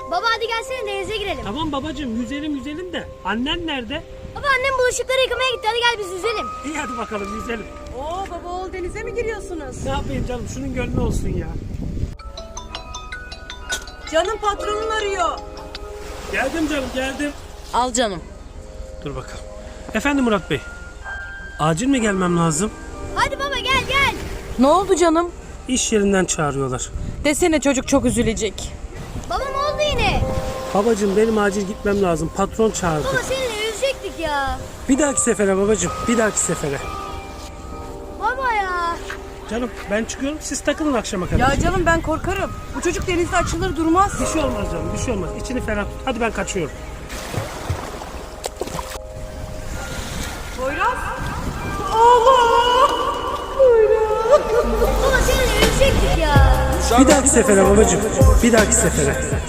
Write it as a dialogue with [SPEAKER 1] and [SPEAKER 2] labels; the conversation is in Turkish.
[SPEAKER 1] Baba hadi gelsene denize girelim.
[SPEAKER 2] Tamam babacığım, yüzelim de. Annen nerede?
[SPEAKER 1] Baba annem bulaşıkları yıkamaya gitti. Hadi gel biz yüzelim.
[SPEAKER 2] İyi hadi bakalım yüzelim.
[SPEAKER 3] Oo baba oğul denize mi giriyorsunuz?
[SPEAKER 2] Ne yapayım canım, şunun gönlü olsun ya.
[SPEAKER 3] Canım patronun arıyor.
[SPEAKER 2] Geldim canım, geldim.
[SPEAKER 3] Al canım.
[SPEAKER 2] Dur bakalım. Efendim Murat Bey. Acil mi gelmem lazım?
[SPEAKER 1] Hadi baba gel.
[SPEAKER 3] Ne oldu canım?
[SPEAKER 2] İş yerinden çağırıyorlar.
[SPEAKER 3] Desene çocuk çok üzülecek.
[SPEAKER 1] Baba ne oldu yine?
[SPEAKER 2] Babacığım benim acil gitmem lazım. Patron çağırdı.
[SPEAKER 1] Baba seninle yüzecektik ya.
[SPEAKER 2] Bir dahaki sefere babacığım, bir dahaki sefere.
[SPEAKER 1] Baba ya.
[SPEAKER 2] Canım ben çıkıyorum, siz takılın akşama kadar.
[SPEAKER 3] Ya canım ben korkarım. Bu çocuk denizde açılır durmaz.
[SPEAKER 2] Bir şey olmaz canım, bir şey olmaz. İçini ferah tut. Hadi ben kaçıyorum.
[SPEAKER 3] Poyraz. Allah! Poyraz.
[SPEAKER 1] Baba seninle yüzecektik ya.
[SPEAKER 2] Bir dahaki sefere babacığım, bir dahaki sefere.